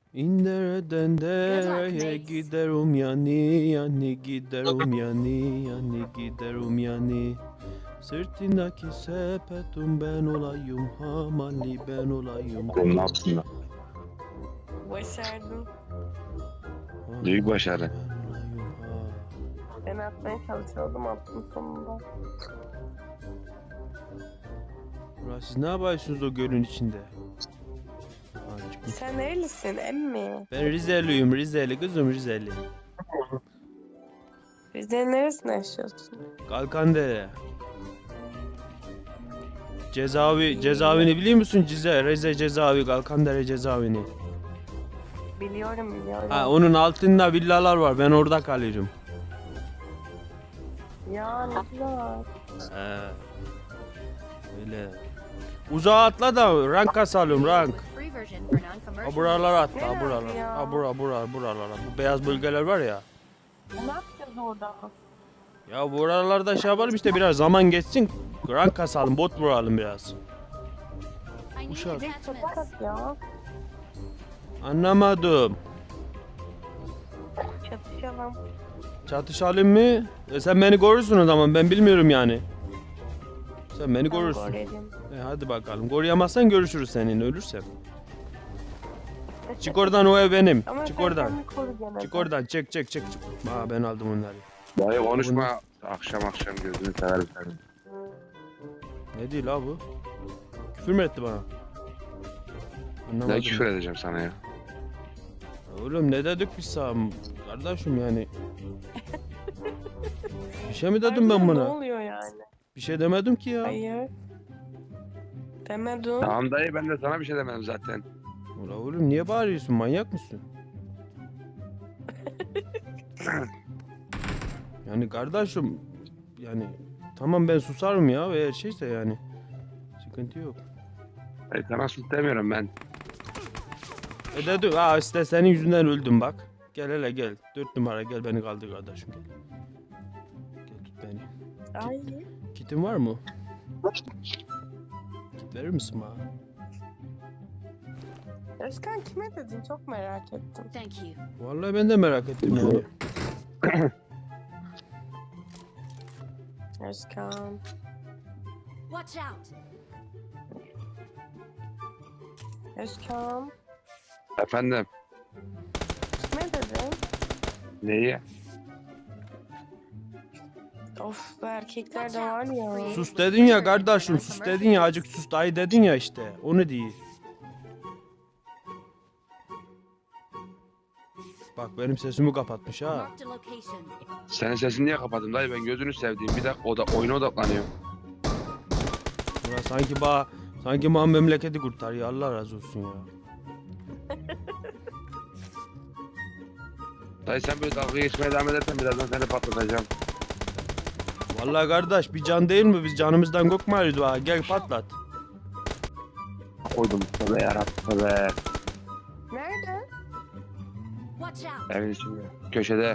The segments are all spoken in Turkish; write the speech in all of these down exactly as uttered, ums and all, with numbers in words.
İndereden dereye mates. giderim yani yani giderim yani yani giderim yani. Sırtındaki sepetim ben olayım, hamalli ben olayım. Oğlum ne yapsın lan? Başardım. Büyük başarı. Ben olayım, ha. Ben atmaya çalışıyordum, attım sonunda. Ulan siz ne yapıyorsunuz o gölün içinde? Ha, çıkmış. Sen nerelisin emmi? Ben Rizeliyim, Rizeli kızım Rizeli. Rize'nin neresinde yaşıyorsun? Kalkandere. Cezavi, cezaevini biliyor musun? Cize, Rize cezaevi, Kalkandere cezaevini. Biliyorum biliyorum. Ha, onun altında villalar var. Ben orada kalıyorum. Ya ne güzel. He. Öyle. Uzağa atla da rank kasalım rank. Free version for Ha non-commercial. buralara atla, ha Nerede buralara. ya? Ha bura, bura, buralara. Bu beyaz bölgeler var ya. Ne yapacağız orada? Ya buralarda şey yapalım işte biraz zaman geçsin. Rank kasalım, bot vuralım biraz. I need Uşak. Direkt attachments. çatak ya. Anlamadım. Çatışalım. Çatışalım mı? E sen beni korursun o zaman, ben bilmiyorum yani. Sen beni Ben korursun. gorelim. E hadi bakalım. Koruyamazsan görüşürüz seninle ölürsen. Çık oradan, o ev benim. Ama Çık sen oradan. kendini koru gene de. Çık oradan, çık çık çık. çık. Aa ben aldım onları. Dayı konuşma. Akşam akşam gözünü severim senin. Ne değil la bu? Küfür mü etti bana? Ne Anlamadım. küfür edeceğim sana ya. Oğlum ne dedik biz sana? Kardeşim yani. Bir şey mi dedim ben Harbiden Ne buna? oluyor yani? Bir şey demedim ki ya. Hayır. Demedim. Tamam dayı, ben de sana bir şey demedim zaten. Ulan oğlum niye bağırıyorsun? Manyak mısın? Yani kardeşim yani tamam ben susarım ya eğer şeyse yani. Sıkıntı yok. Dayı sana sus demiyorum ben. E dedim ha işte senin yüzünden öldüm bak. Gel hele gel. Dört numara gel beni kaldır kardeşim gel. Gel tut beni. Ay. Kitin var mı? Kit verir misin bana? Özkan kime dedin? Çok merak ettim. Thank you. Vallahi ben de merak ettim yani. Özkan. Watch out. Özkan. Efendim. Kime dedin? Neyi? Of bu erkekler de var ya. Sus dedin ya kardeşim, sus dedin ya, acık sus dayı dedin ya işte. Onu değil. Bak benim sesimi kapatmış ha. Marked a location. Senin sesini niye kapattım dayı? Ben gözünü sevdiğim bir dakika oda, oyuna odaklanıyorum. Ulan sanki ba sanki bana memleketi kurtarıyor. Allah razı olsun ya. Dayı sen böyle dalga geçmeye devam edersen birazdan seni patlatacağım. Vallahi kardeş bir can değil mi? Biz canımızdan korkmayız ha. Gel patlat. Koydum. Tövbe yarabbim tövbe. Nerede? Watch out. Evin içinde. Köşede.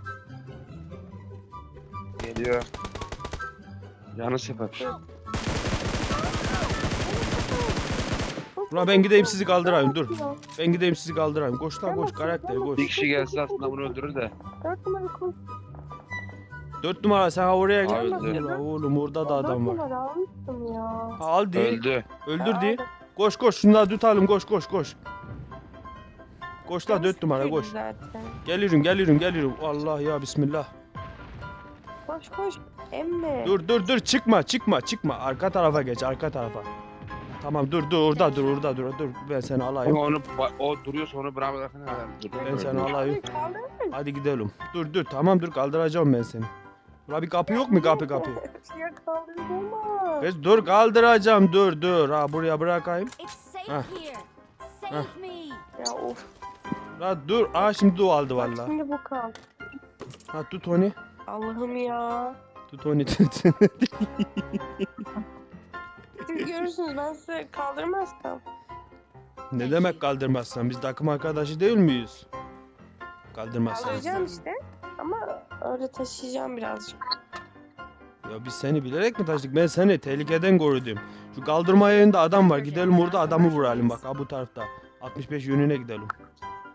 Geliyor. Canı sıfır. Ulan ben gideyim sizi kaldırayım dur. Ben gideyim sizi kaldırayım. Koş lan koş karakter koş. Bir kişi gelse aslında bunu öldürür de. Dört numara koş. Dört numara sen oraya gel. Öldü. Ulan oğlum orada da adam Dört var. numara almıştım ya. Ha, al değil. Öldü. Öldür değil. Koş koş şunları tutalım koş koş koş. Koş la dört numara koş. Zaten. Geliyorum geliyorum geliyorum. Allah ya bismillah. Koş koş. Emmi. Dur dur dur çıkma çıkma çıkma. Arka tarafa geç arka tarafa. Tamam dur dur orada dur orada dur dur. Ben seni alayım. Ama onu o duruyorsa onu bravo bırakın herhalde. Dur. Ben seni Öldü. alayım. Kaldır. Hadi gidelim. Dur dur tamam dur kaldıracağım ben seni. Ula bir kapı yok mu kapı kapı? Ya kaldırma. Kız dur kaldıracağım dur dur. Ha buraya bırakayım. It's safe Ah. here. Save Ah. me. Ya of. La dur. Aa şimdi o aldı Bak valla. şimdi bu kal. Ha tut onu. Allah'ım ya. Tut onu tut. Siz görürsünüz ben size kaldırmazsam. Ne demek kaldırmazsan? Biz takım arkadaşı değil miyiz? Kaldırmazsan. Kaldıracağım işte. Ama öyle taşıyacağım birazcık. Ya biz seni bilerek mi taşıdık? Ben seni tehlikeden korudum. Şu kaldırma yerinde adam var. Gidelim orada adamı vuralım bak. Ha bu tarafta. altmış beş yönüne gidelim.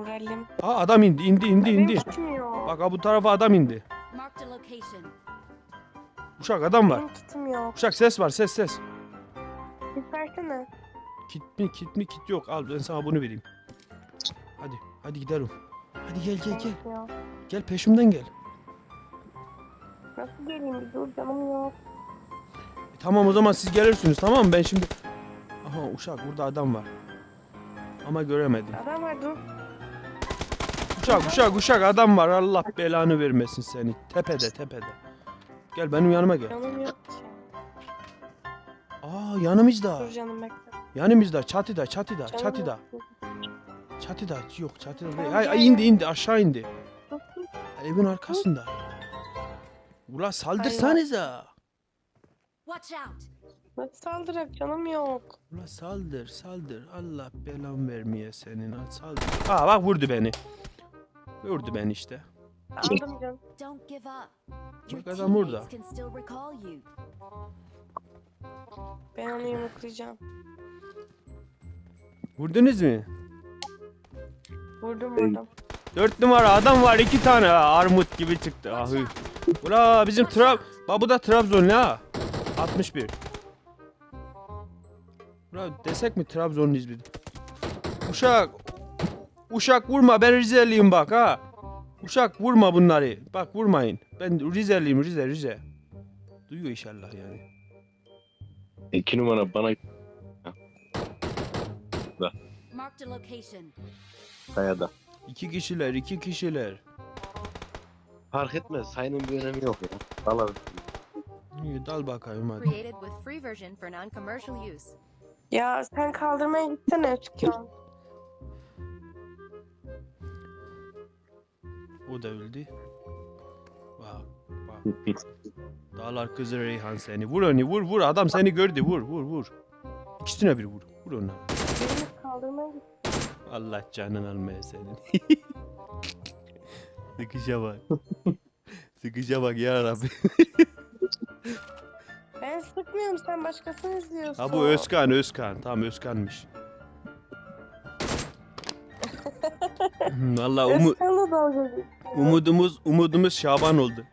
Vuralım. Aa adam indi indi indi Benim indi. tutmuyor. Bak ha bu tarafa adam indi. Marked a location. Uşak adam var. Benim tutmuyor. Uşak ses var ses ses. Git versene. Kit mi kit mi kit yok. Al ben sana bunu vereyim. Hadi hadi gidelim. Hadi gel gel gel. Ya. Gel peşimden gel. Nasıl geleyim bir dur canım yok. E, tamam o zaman siz gelirsiniz tamam mı? Ben şimdi... Aha Uşak burada adam var. Ama göremedim. Adam var dur. Uşak uşak uşak adam var. Allah belanı vermesin seni. Tepede tepede. Gel benim yanıma gel. Canım yok ki. Aa yanımızda. Dur canım bekle. Yanımızda çatıda çatıda Canım çatıda. yok. Çatıda yok çatıda değil. Tamam, Ay, gel, ay indi gel. indi aşağı indi. Dur, dur. Evin arkasında. Ula saldırsanıza. Watch out. Nasıl saldırak canım yok. Ula saldır saldır. Allah belan vermeye senin. Al saldır. Aa bak vurdu beni. Vurdu beni işte. Aldım canım. Don't give up. Your Bak adam burada. teammates can still recall you. Ben onu yumruklayacağım. Vurdunuz mu? Vurdum vurdum. Dört numara adam var iki tane. Ha, armut gibi çıktı. Ahı. Ula bizim Trab... Bak bu da Trabzon ha. altmış bir. Ula desek mi Trabzonluyuz biz? Uşak. Uşak vurma ben Rizeliyim bak ha. Uşak vurma bunları. Bak vurmayın. Ben Rizeliyim Rize Rize. Duyuyor inşallah yani. İki numara bana Marked a location. kayada. İki kişiler iki kişiler. Fark etmez. Sayının bir önemi yok ya. Vallahi. İyi dal bakayım hadi. Created with free version for non-commercial use. Ya sen kaldırmaya gitsene Özkan. O da öldü. Bak bak. Dağlar kızı Reyhan seni. Vur onu vur vur. Adam seni gördü. Vur vur vur. İkisine bir vur. Vur ona. Birini kaldırmaya git. Allah canın almaya senin. Sıkışa bak. Sıkışa bak ya Rabbi. Ben sıkmıyorum sen başkasını izliyorsun. Ha bu Özkan Özkan. Tamam Özkan'mış. Valla umu, Özkan'la dalga geçiyor. umudumuz umudumuz Şaban oldu.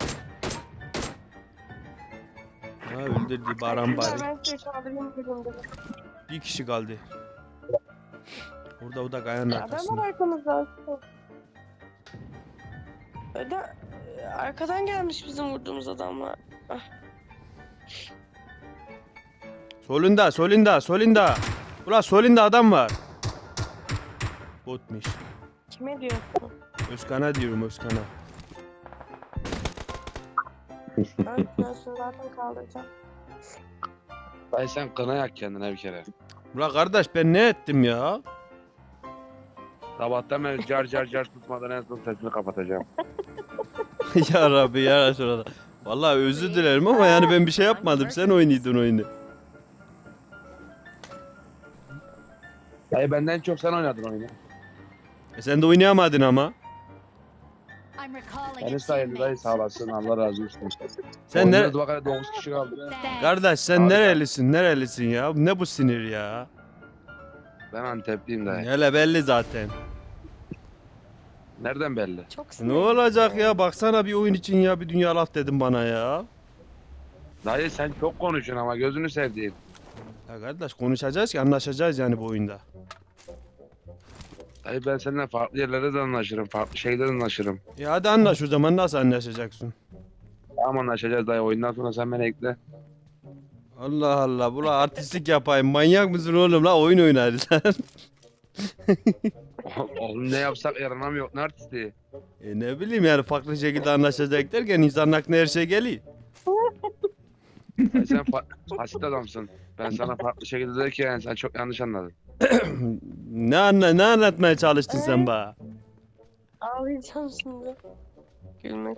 Ha öldürdü Baran bari. Ben seni kaldırayım dedim dedim. Bir kişi kaldı. Orada o da kayanın Adam arkasında. var arkamızda. Öde, arkadan gelmiş bizim vurduğumuz adamlar. Solunda, solunda, solunda. Ulan solunda adam var. Botmuş. Kime diyorsun? Özkan'a diyorum Özkan'a. Ben Özkan'ı zaten kaldıracağım. Dayı sen kına yak kendine bir kere. Ulan kardeş ben ne ettim ya? Sabahtan beri car car car tutmadan en son sesini kapatacağım. Ya Rabbi ya Resulallah. Vallahi özür dilerim ama yani ben bir şey yapmadım. Sen oynuyordun oyunu. Dayı benden çok sen oynadın oyunu. E sen de oynayamadın ama. I'm recalling a Beni sayıldı dayı teammate. sağ olasın Allah razı olsun. Sen ne? Oynadı bak hele dokuz kişi kaldı. Thanks. Kardeş sen Harika. nerelisin? Nerelisin ya? Ne bu sinir ya? Ben Antepliyim dayı. Hele belli zaten. Nereden belli? Çok Ne sinirli. olacak ya? Baksana bir oyun için ya bir dünya laf dedim bana ya. Dayı sen çok konuşuyorsun ama gözünü sevdiğim. Ya kardeş konuşacağız ki anlaşacağız yani bu oyunda. Dayı ben seninle farklı yerlerde de anlaşırım. Farklı şeylerde de anlaşırım. Ya hadi anlaş o zaman nasıl anlaşacaksın? Tamam anlaşacağız dayı. Oyundan sonra sen beni ekle. Allah Allah bula artistlik yapayım. Manyak mısın oğlum la oyun oynarız sen. Oğlum ne yapsak yaranam yok. Ne artisti? E ne bileyim yani farklı şekilde anlaşacak derken insanın aklına her şey geliyor. Dayı sen fa- basit adamsın. Ben sana farklı şekilde derken sen çok yanlış anladın. ne anla ne anlatmaya çalıştın sen bana? Ağlayacağım şimdi. Gülmek.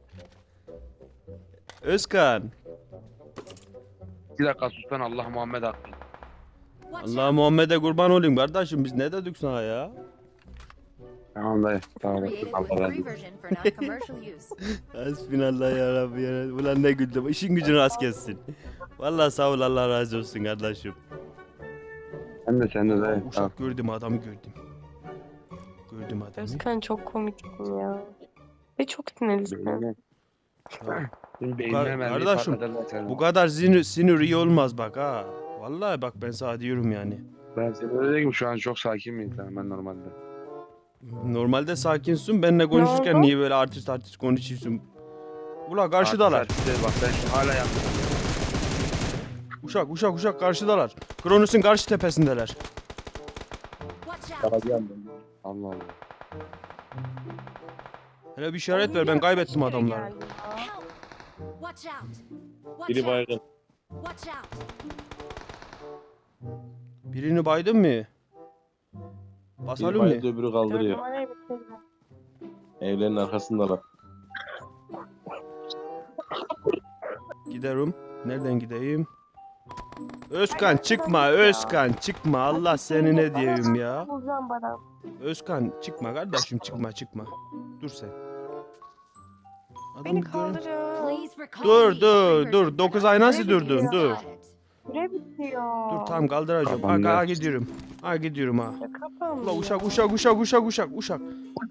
Özkan. Bir dakika sus lan Allah Muhammed hakkı. Watch Allah out. Muhammed'e kurban olayım kardeşim biz ne dedik sana ya? Tamam dayı. Tamam. Created Allah with razı free olsun. version for non-commercial use. Hasbinallah ya Rabbi ya Rabbi. Ulan ne güldüm. İşin gücün rast kessin. Vallahi sağ ol Allah razı olsun kardeşim. Sen de sen de dayı. Tamam. Uşak gördüm adamı gördüm. Gördüm adamı. Özkan çok komiksin ya. Ve çok sinirlisin. Beynine. Ya, Benim Kar- beynime mermiyi kardeşim, patlatırlar seni. bu kadar sinir, sinir iyi olmaz bak ha. Vallahi bak ben sana diyorum yani. Ben seni öyle diyeyim şu an çok sakin miyim sen ben normalde. Normalde sakinsin. Benimle konuşurken oldu? niye böyle artist artist konuşuyorsun? Ula karşıdalar. Artık saat- Bak ben şu hala yaptım. Uşak uşak uşak karşıdalar. Kronos'un karşı tepesindeler. Watch out! Allah Allah. Hele bir işaret ver, ben kaybettim adamları. Help! Watch out! Watch Biri out! baygın. Watch out! Birini baydın mı? Biri Basalım bayıldı mı? öbürü Dört kaldırıyor. numarayı bitirdim. Evlerin arkasındalar. Giderim. Nereden gideyim? Özkan çıkma, Özkan çıkma. Allah seni ne diyeyim ya. Bulacağım bana. Özkan çıkma kardeşim, çıkma çıkma. Dur sen. Adam Beni gör- kaldırın. Please recall Dur me. dur dur. dokuz ay nasıl durdun? Dur. Süre bitiyor. Dur tam kaldıracağım. Ha, Kapandı. ha gidiyorum. Ha gidiyorum ha. Ya kapandı La ya. uşak uşak uşak uşak uşak uşak.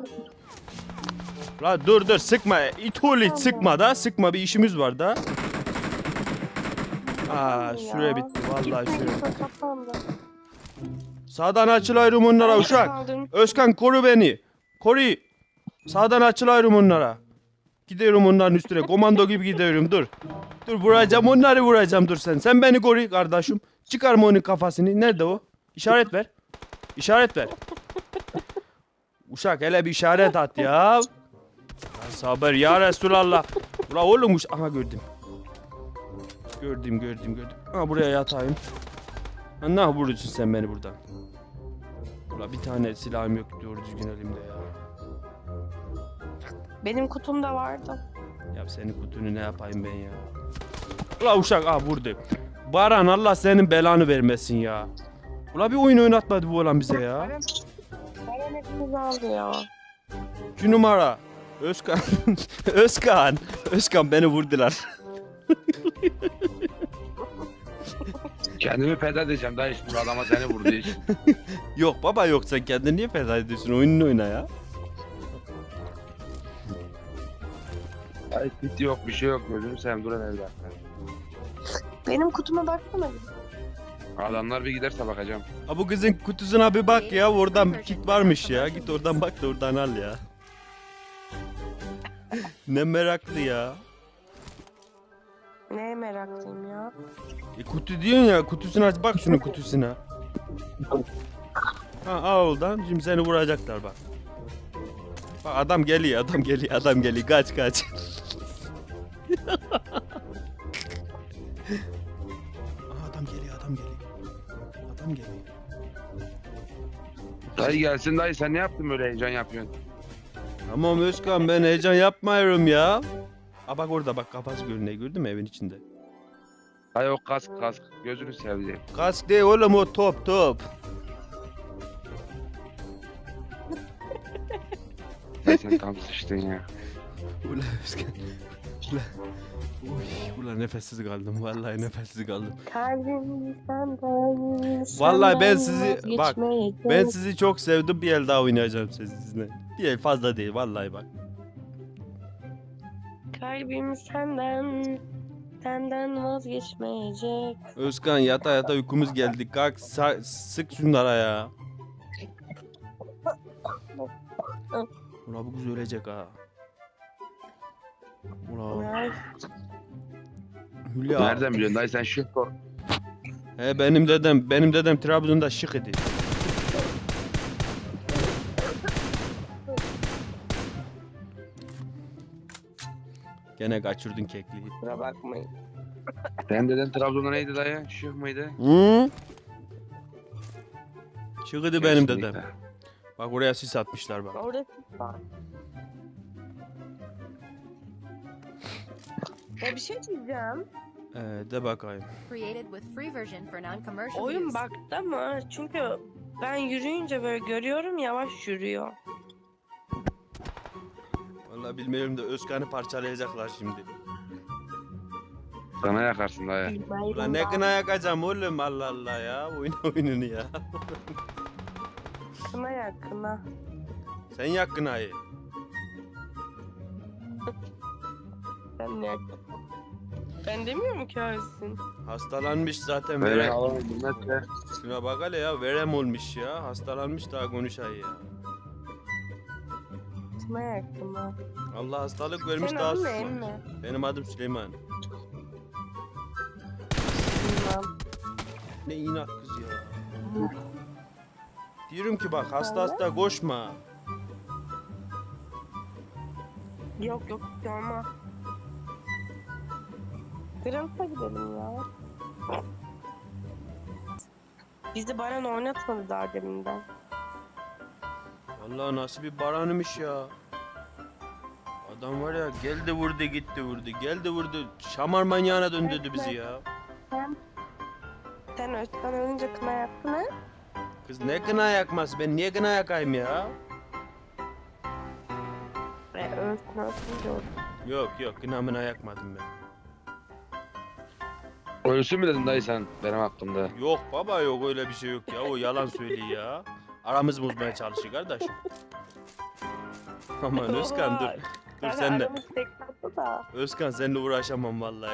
La dur dur sıkma. İtoli sıkma da. Sıkma bir işimiz var da. Aa süre Ya. bitti vallahi Gitme, süre. gitme, kapandı. Sağdan açılayım onlara Ben uşak. kaldırdım. Özkan koru beni. Koru. Sağdan açılayım onlara. Gidiyorum onların üstüne. Komando gibi gidiyorum dur. Dur vuracağım onları vuracağım dur sen. Sen beni koru kardeşim. Çıkarma onun kafasını. Nerede o? İşaret ver. İşaret ver. Uşak hele bir işaret at ya. Ya sabır ya Resulallah. Ula oğlum uş- aha gördüm. Gördüm gördüm gördüm. Ha buraya yatayım. Ha ne vuruyorsun sen beni buradan? Ula bir tane silahım yok doğru düzgün elimde ya. Benim kutumda vardı. Ya senin kutunu ne yapayım ben ya? Ula uşak ah vurdu. Baran Allah senin belanı vermesin ya. Ula bir oyun oynatmadı bu olan bize ya. Baran, Baran hepimizi aldı ya. İki numara. Özkan. Özkan. Özkan beni vurdular. Kendimi feda edeceğim daha hiç bu adama seni vurdu hiç. Yok baba yok sen kendini niye feda ediyorsun? Oyununu oyna ya. Ay kit yok bir şey yok gözünü seveyim dur hele bir dakika. Benim kutuma baksana. bir. Adamlar bir giderse bakacağım. Ha bu kızın kutusuna bir bak ya. Oradan bir kit varmış ya. Git oradan bak da oradan al ya. Ne meraklı ya. Neye meraklıyım ya? E kutu diyorsun ya. Kutusunu aç bak şunun kutusuna. Ha al oradan. Şimdi seni vuracaklar bak. Bak adam geliyor adam geliyor adam geliyor. Kaç kaç. Aa, adam geliyor adam geliyor. Adam geliyor. Dayı gelsin dayı sen ne yaptın böyle heyecan yapıyorsun? Tamam Özkan ben heyecan yapmıyorum ya. Aa bak orada bak kafası görünüyor gördün mü evin içinde. Dayı o kask kask gözünü seveyim. Kask değil oğlum o top top. Dayı sen tam sıçtın ya. Ulan Özkan. Ulan. Uy, ulan nefessiz kaldım vallahi nefessiz kaldım. Kalbim senden. Vallahi ben senden sizi- bak, vazgeçmeyecek. Ben sizi çok sevdim bir el daha oynayacağım sizinle. Bir el fazla değil vallahi bak. Kalbim senden. Senden vazgeçmeyecek. Özkan yata yata uykumuz geldi. Kalk sa- sık şunlara ya. Ulan bu kız ölecek ha. Ulan Ay, Hülya. Nereden biliyorsun dayı sen şu sor. He benim dedem benim dedem Trabzon'da şık idi. Gene kaçırdın kekliği. kusura bakmayın. Sen deden Trabzon'da neydi dayı? Şık mıydı? Hı? Şık idi benim Kesinlikle. dedem. Bak oraya sis atmışlar bak. Orada var. Ya bir şey diyeceğim. Ee, de bakayım. Created with free version for non-commercial Oyun use. baktı mı? Çünkü ben yürüyünce böyle görüyorum yavaş yürüyor. Vallahi bilmiyorum da Özkan'ı parçalayacaklar şimdi. Sana yakarsın dayı. Ulan ne kına yakacağım oğlum Allah Allah ya. Oyun oyununu ya. Kına yak kına. Sen yak kınayı. Sen yak. Ben demiyor mu ki öylesin? Hastalanmış zaten Böyle verem. alalım bilmezse. Şuna bak hele ya verem olmuş ya. Hastalanmış daha konuşay ya. Kına yak kına. Allah hastalık vermiş Senin daha adın ne susmamış. emmi? Benim adım Süleyman. Bilmem. Ne inat kız ya. Diyorum ki bak hasta hasta koşma. Yok yok görmem. Grams'a gidelim ya. Bizi Baran oynatmadı daha deminden. Vallahi nasıl bir baranımış ya. Adam var ya geldi vurdu gitti vurdu. Geldi vurdu. Şamar manyağına döndürdü bizi ya. Sen, sen Özkan ölünce kına yaktın ha? Kız ne kına yakması? Ben niye kına yakayım ya? E, Özkan ölünce oldu. Yok yok kına mına yakmadım ben. Ölsün mü dedin dayı sen benim hakkımda? Yok baba yok öyle bir şey yok ya. O yalan söylüyor ya. Aramız bozmaya çalışıyor kardeşim. Aman Özkan dur. Dur Yani sen de. aramız tek tatlı da. Özkan seninle uğraşamam vallahi.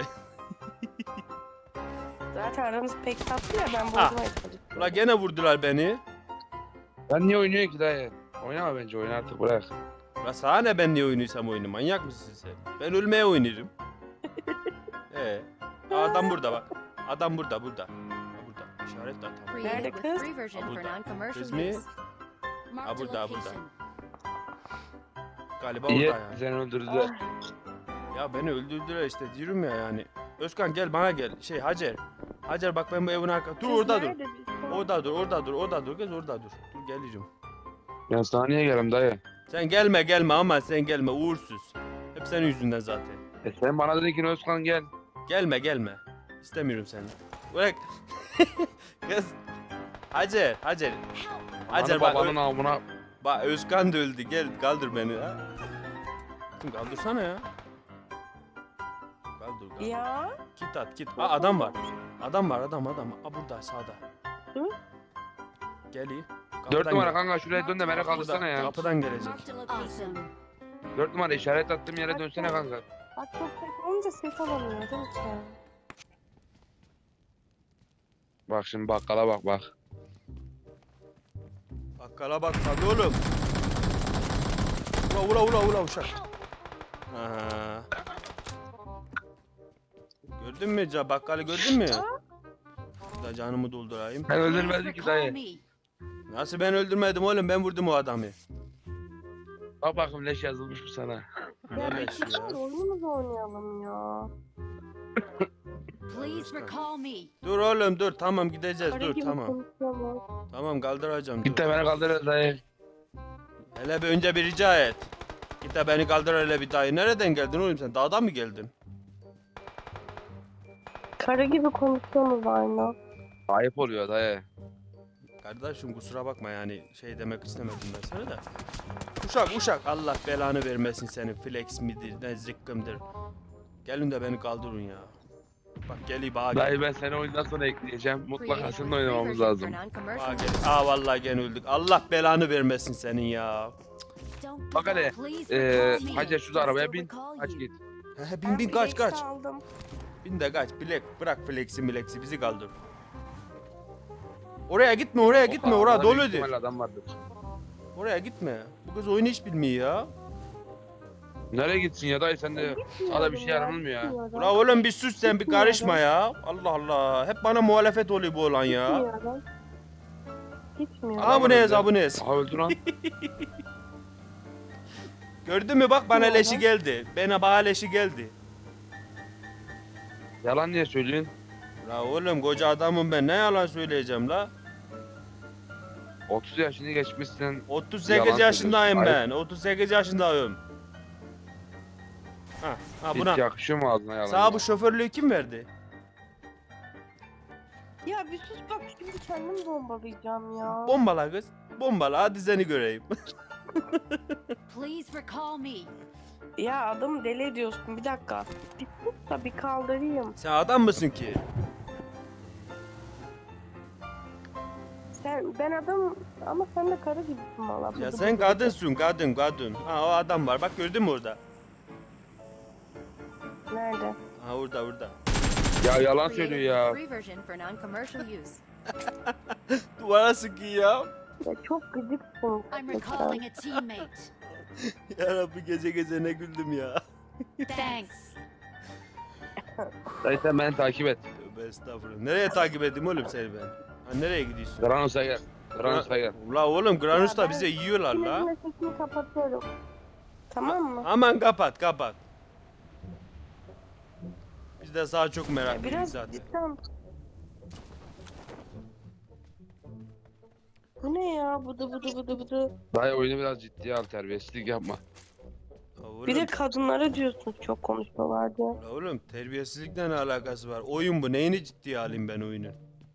Zaten aramız pek tatlı ya ben Ah. bozmaya çalışıyorum. Ula gene vurdular beni. Ben niye oynuyorsun ki dayı? Oynama bence oyna artık bırak. Ula sana ne ben niye oynuyorsam oyunu manyak mısın sen? Ben ölmeye oynarım. Ee, adam burada bak. Adam burada burada. Ha, burada. İşaret de atalım. Created with kız? free version for Burada. non-commercial Kız mı? use. Marked a burada, burada. location. Galiba İyi orada yani. seni öldürdüler. Ah, Ya beni öldürdüler işte diyorum ya yani. Özkan gel bana gel. Şey Hacer. Hacer bak ben bu evin arka. Dur orada dur. nerede biz? Orada dur, orada dur, orada dur kız orada dur. Dur gelirim. Ben sana niye geleyim dayı? Sen gelme gelme ama sen gelme uğursuz. Hep senin yüzünden zaten. E sen bana dedin ki Özkan gel. Gelme gelme. İstemiyorum seni. Bırak. Kız. Hacer, Hacer. Hacer Ananı bak. babanın Ö- avına. bak Özkan da öldü. Gel kaldır beni ha. Kızım kaldırsana ya. Kaldır kaldır. Ya. Git at git. Aa adam var. Adam var adam adam. Aa burada sağda. Hı? Gel iyi. Dört Kapıdan numara gel. kanka şuraya dön de beni kaldırsana Burada, ya. kapıdan gelecek. Marked a location. Dört numara işaret attığım yere dönsene kanka. Bak çok tek olunca ses alamıyor değil mi ki? Bak şimdi bakkala bak bak. Bakkala bak tabii oğlum. Ula ula ula ula uşak. Aha. Gördün mü ca bakkalı gördün mü? Da canımı doldurayım. Ben Please öldürmedim ki recall dayı. me. Nasıl ben öldürmedim oğlum ben vurdum o adamı. Bak bakayım leş yazılmış mı sana? Ne leş ya. Hadi oyunumuzu oynayalım ya. Please recall me. Dur oğlum dur tamam gideceğiz Para dur gibi tamam. konuşuyorlar. Tamam kaldıracağım Git dur. de beni kaldır dayı. Hele bir önce bir rica et. Git de beni kaldır hele bir dayı. Nereden geldin oğlum sen? Dağdan mı geldin? Karı gibi konuşuyorsunuz aynı. Ayıp oluyor dayı. Kardeşim kusura bakma yani şey demek istemedim ben sana da. Uşak uşak Allah belanı vermesin senin flex midir ne zıkkımdır. Gelin de beni kaldırın ya. Bak gel bana gel. Dayı ben seni oyundan sonra ekleyeceğim. Mutlaka Created with seninle free oynamamız version lazım. for non-commercial Bana gel. use. Aa vallahi gene öldük. Allah belanı vermesin senin ya. Don't give Bak hele, up. Please Eee recall me. Hacer şu Just arabaya to bin. recall Kaç you. git. He, bin bin kaç kaç. Aldım. Bin de kaç. Bilek bırak flexi milexi bizi kaldır. Oraya gitme oraya gitme Oha, oraya arada büyük doluydu. ihtimalle adam vardır. Oraya gitme. Bu kız oyunu hiç bilmiyor ya. Nereye gitsin ya dayı sen de sana bir şey yaranılmıyor ya. Ula oğlum bir sus sen bir karışma ya. Allah Allah. Hep bana muhalefet oluyor bu olan ya. Gitmiyorum. Gitmiyorum. Aboneyiz aboneyiz. Aha öldü lan. Gördün mü bak bana Ne leşi oldu? geldi. Bana bana leşi geldi. Yalan niye söylüyorsun? La oğlum koca adamım ben ne yalan söyleyeceğim la. otuz yaşını geçmişsin. otuz sekiz Yalan yaşındayım söylüyorsun. ben. otuz sekiz yaşındayım. Ha, ha Hiç buna. yakışıyor mu ağzına yalan? Sana bu şoförlüğü kim verdi? Ya bir sus bak şimdi kendim bombalayacağım ya. Bombala kız. Bombala hadi seni göreyim. Please recall me. Ya adamı deli ediyorsun bir dakika. Bir sus da bir kaldırayım. Sen adam mısın ki? Sen, ben adam ama sen de karı gibisin valla. Ya Bıdı sen bıdı kadınsın kadın kadın. Ha o adam var bak gördün mü orada? bıdı. Nerede? Ha orada orada. Ya yalan Created söylüyor with ya. free version for non-commercial use. Duvara sıkıyor ya. Ya çok gıcıksın. I'm gerçekten. recalling a teammate. Ya Rabbi gece gece ne güldüm ya. Thanks. Dayı sen beni takip et. Tövbe estağfurullah. Nereye takip edeyim oğlum seni ben? Ha nereye gidiyorsun? Granus'a gel. Granus'a gel. Ula oğlum Granus Ya da ben bize yiyorlar la. Şimdi sesini kapatıyorum. Tamam mı? Aman kapat kapat. Biz de sana çok Ya meraklıyız biraz zaten. cidden. Bu ne ya? Bıdı bıdı bıdı bıdı. Dayı oyunu biraz ciddiye al, terbiyesizlik yapma. Ya oğlum, Bir de kadınlara diyorsunuz çok konuşuyorlar diye. la oğlum terbiyesizlikle ne alakası var? Oyun bu. Neyini ciddiye alayım ben oyunun?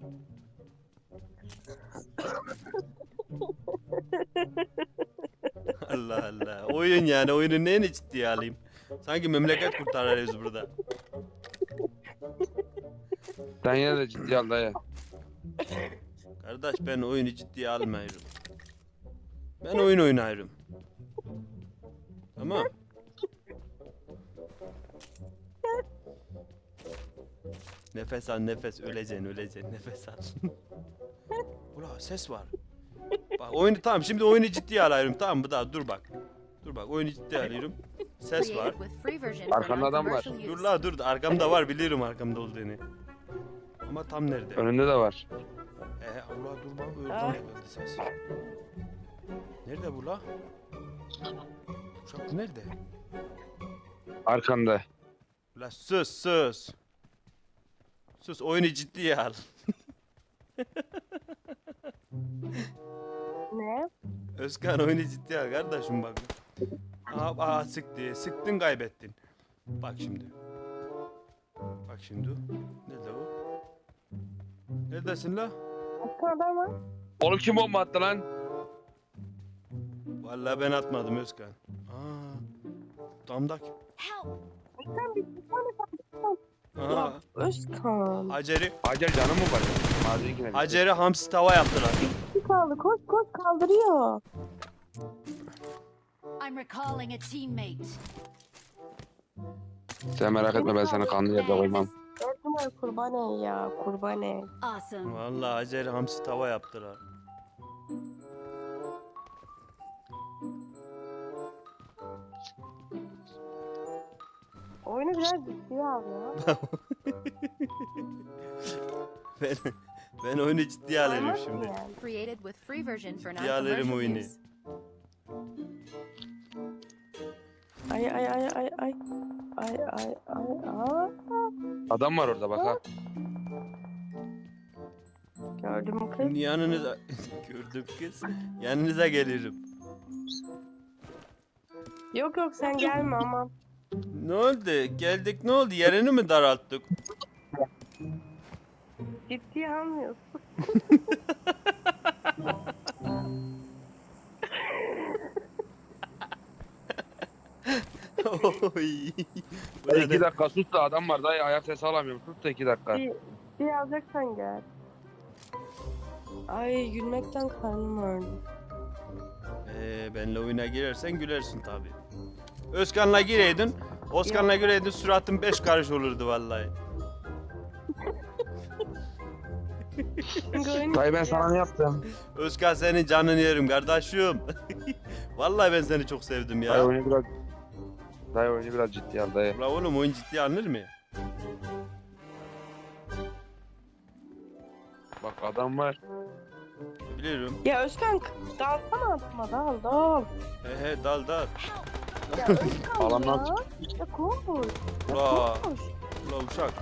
Allah Allah. Oyun yani. Oyunun neyini ciddiye alayım? Sanki memleket kurtarırız burada. Sen yine de ciddiye al dayı. Kardeş ben oyunu ciddiye almıyorum. Ben oyun oynarım. Tamam. Nefes al nefes öleceksin öleceksin nefes al. Ula ses var. Bak oyunu tamam şimdi oyunu ciddiye alıyorum tamam mı daha dur bak. Dur bak oyunu ciddiye alıyorum. Ses var. Created with free version for Arkanda adam var. non-commercial Dur use. la dur arkamda var biliyorum arkamda olduğunu. Ama tam nerede? Önünde de var. Ee ula dur bak Ah. oradan da geldi ses. Nerede bu la? Uşak bu nerede? Arkanda. Ula sus sus. Sus oyunu ciddiye al. Ne? Özkan oyunu ciddiye al kardeşim bak. Aa, aa sıktı. Sıktın kaybettin. Bak şimdi. Bak şimdi. Nerede o? Neredesin la? Başka adam var. Oğlum kim bomba attı lan? Vallahi ben atmadım Özkan. Aa. Damdak. Help. Sen bir bir tane Aa. Özkan. Hacer'i Hacer canım mı var? Mazinkine bir şey. Hacer'i hamsi tava yaptılar. Bir kaldı. Koş koş kaldırıyor. I'm recalling a teammate. Sen merak etme ben seni kanlı yerde koymam. Dört numara kurban ey ya. Kurban ey. Awesome. Vallahi Hacer'i hamsi tava yaptılar. Oyunu biraz ciddiye al ya. Ben ben oyunu ciddiye alıyorum Olmaz mı şimdi. yani? Created with free version for Ciddiye alırım non-commercial oyunu. use. Ay ay ay ay ay. Ay ay ay ay. Adam var orada bak ha. Gördün mü kız? Yanınıza gördüm kız. Yanınıza gelirim. Yok yok sen gelme aman. Ne oldu? Geldik ne oldu? Yerini mi daralttık? Ciddiye almıyorsun. Oy. Bu Dayı ne iki de- dakika sus da adam var dayı ayak sesi alamıyorum. Sus da iki dakika. Bir, bir alacaksan gel. Ay gülmekten karnım ağrıdı. Ee, benle oyuna girersen gülersin tabi. Özkan'la gireydin. Özkan'la gireydin suratın beş karış olurdu vallahi. Çünkü oyun Dayı ben ciddiye sana ne yaptım? Özkan senin canını yerim kardeşim. Vallahi ben seni çok sevdim Dayı ya. oyunu biraz... Dayı oyunu biraz ciddiye al dayı. La oğlum oyun ciddiye alınır mı? Bak adam var. Biliyorum. Ya Özkan dalsana adıma dal dal. He he dal dal. Ya Özkan Alandan ya. Ya koş. Ya Ula. koş. Ula uşak.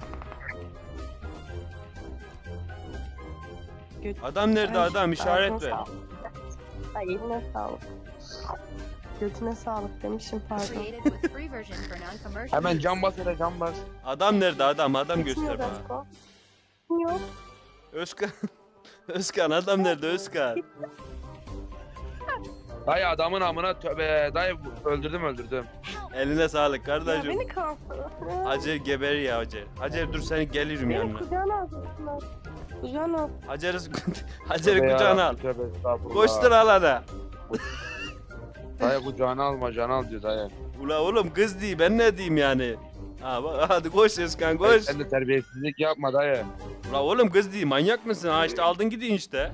Göt- Adam nerede Ay, adam işaret ağzına ver. sağlık. Ay eline sağlık. Götüne sağlık demişim pardon. Created with free version for non-commercial Hemen use. cam bas hele cam bas. Adam nerede adam adam göster Gitmiyor bana. Özkan. Yok. Özkan. Özkan adam nerede Özkan? Dayı adamın amına tövbe. Dayı öldürdüm öldürdüm. Eline sağlık Ya kardeşim. beni kalsana. Hacer geber ya Hacer. Hacer dur seni gelirim Beni yanına. kucağına alacaksın. Kucağına al. Hacer'i Hacer'i Tövbe kucağına al. yarabbim, tövbe estağfurullah. Koştur alana. Dayı kucağına alma can al diyor dayı. Ula oğlum kız değil ben ne diyeyim yani. Ha bak hadi koş Özkan koş. Sen de terbiyesizlik yapma dayı. Ula oğlum kız değil manyak mısın? Ha işte aldın gidin işte.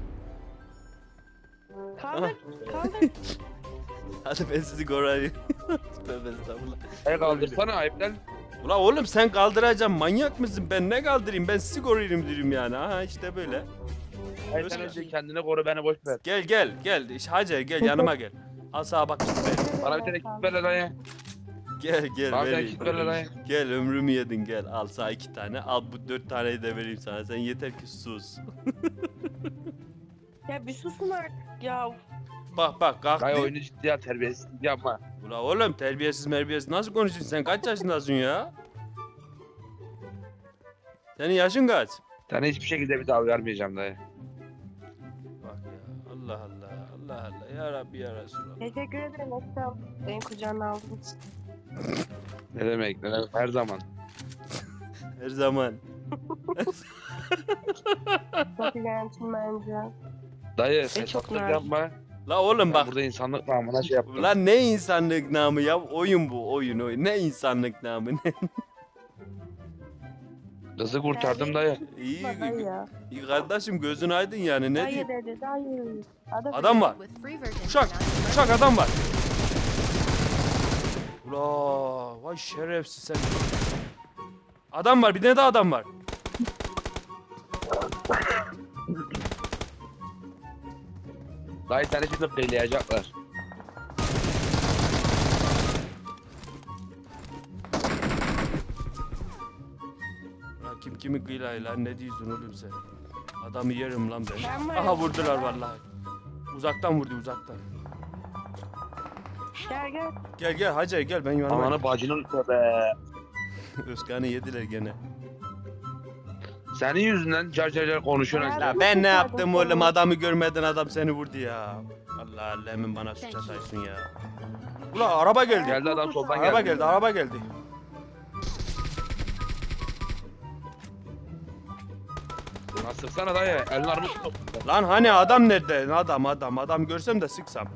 Kaldır. Kaldır. Hadi ben sizi koruyayım. Tövbe estağfurullah. Dayı kaldırsana ayıp lan. Ula oğlum sen kaldıracaksın manyak mısın? Ben ne kaldırayım? Ben sizi koruyayım diyorum yani. Ha işte böyle. Dayı sen önce kendini koru beni boş ver. Gel gel gel. İş- Hacer gel yanıma gel. Al sağa bak kit ver. Bana bir tane kit ver lan dayı. Gel gel Bana bir tane vereyim. kit ver lan dayı. Gel ömrümü yedin gel. Al sana iki tane. Al bu dört taneyi de vereyim sana. Sen yeter ki sus. Ya bir susun artık ya. Bak bak kalk. Dayı oyunu ciddiye al terbiyesizlik yapma. Ula oğlum terbiyesiz merbiyesiz nasıl konuşuyorsun sen kaç yaşındasın ya? Senin yaşın kaç? Sana hiçbir şekilde bir daha vermeyeceğim dayı. Bak ya Allah Allah Allah Allah ya Rabbi ya Resulallah. Teşekkür ederim Esra. Benim kucağına aldığın için. Ne demek ne demek her zaman. Her zaman. Çok gençim bence. Dayı çok fesatlık nazik. yapma. La oğlum Ben bak. burada insanlık namına şey yaptım. Lan ne insanlık namı ya oyun bu oyun oyun ne insanlık namı ne? Kızı kurtardım dayı. İyi, Dayı ya. iyi kardeşim gözün aydın yani ne Dayı diyeyim? dedi dayı. Adam, Adam var. With free version Uşak, for non-commercial uşak adam var. Ula, vay şerefsiz sen. Adam var, bir tane daha adam var. Dayı seni şimdi kıyılayacaklar. Ulan kim kimi kıylayı lan ne diyorsun oğlum sen? Adamı yerim lan ben. Ben varım. Aha vurdular vallahi. Uzaktan vurdu uzaktan. Gel gel. Gel gel Hacer gel ben yanıma. Ananı bacının be. Özkan'ı yediler gene. Senin yüzünden car car car konuşuyorsun. Ya işte. Ya ben ne yaptım oğlum adamı görmeden adam seni vurdu ya. Allah Allah hemen bana suç Thank you. ataysın ya. Ula araba geldi. Geldi adam soldan Araba geldi. geldi araba geldi. Lan sıksana dayı. Elin armut tut. Lan hani adam nerede? Adam adam adam görsem de sıksam.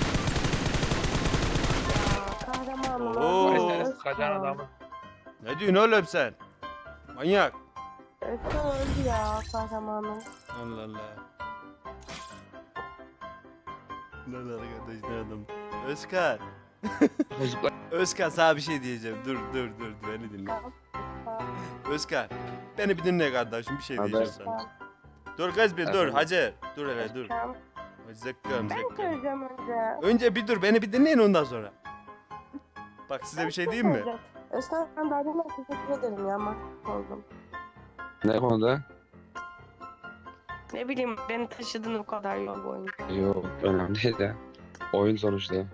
Kahramanım. Oo. Dayı seni sıkacaksın adamı. Ne diyorsun oğlum sen? Manyak. Esra öldü ya kahramanım. Allah Allah. Lan arkadaş ne adam? Özkan. Çocuklar. Özkan sana bir şey diyeceğim. Dur dur dur beni dinle. Özkan. Beni bir dinle kardeşim bir şey Haber. diyeceğim sana. Dur kız bir dur Efendim? Hacer. Dur hele dur. Tamam. Zıkkım Ben zıkkım. söyleyeceğim önce. Önce bir dur beni bir dinleyin ondan sonra. Bak size bir şey diyeyim mi? Özkan ben daha demin teşekkür ederim ya mahcup oldum. Ne konuda? Ne bileyim beni taşıdın o kadar yol boyunca. Yok önemli değil de. Oyun sonuçta. Ee,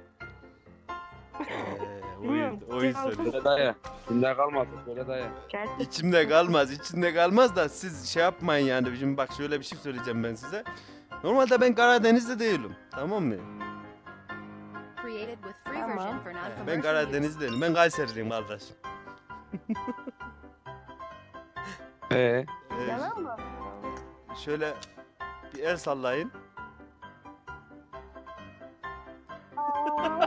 oyun, oyun soruyor. Söyle dayı. Kimde kalmasın söyle dayı. Gerçekten. İçimde kalmaz, içinde kalmaz da siz şey yapmayın yani. Şimdi bak şöyle bir şey söyleyeceğim ben size. Normalde ben Karadeniz'de değilim. Tamam mı? created with free Tamam. version for Ee, non-commercial Ben use. Karadeniz'deyim. Ben Kayseriliyim kardeşim. Ee, Ee, Yalan mı? şöyle bir el sallayın. Aa,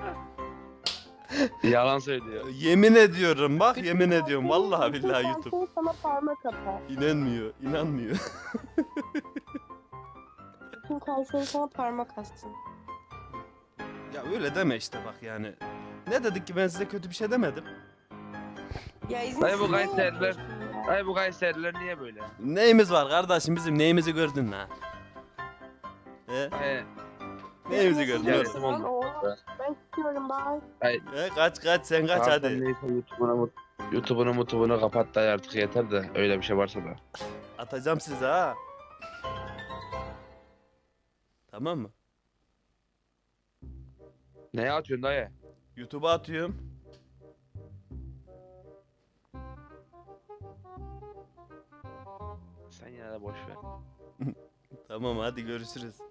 yalan söylüyor. Yemin ediyorum bak yemin ediyorum. Vallahi billahi bütün YouTube. Kayseri sana parmak atar. İnanmıyor, inanmıyor. Bütün Kayseri sana parmak assın. Ya öyle deme işte bak yani. Ne dedik ki ben size kötü bir şey demedim. Ya izin Dayı bu niye Kayseriler- yapıyorsun ya? Dayı bu Kayseriler niye böyle? Neyimiz var kardeşim bizim neyimizi gördün lan? He? Dayı. Neyimizi gördün oğlum? Gelsin oğlum. Oğlum, Ben istiyorum bye. He, kaç kaç sen kaç Zaten hadi. neyse YouTube'unu mut- YouTube'unu mutubunu kapat dayı artık yeter de öyle bir şey varsa da. Atacağım size ha. Tamam mı? Neye atıyorsun dayı? YouTube'a atıyorum. Sen yine de boş ver. Tamam hadi görüşürüz.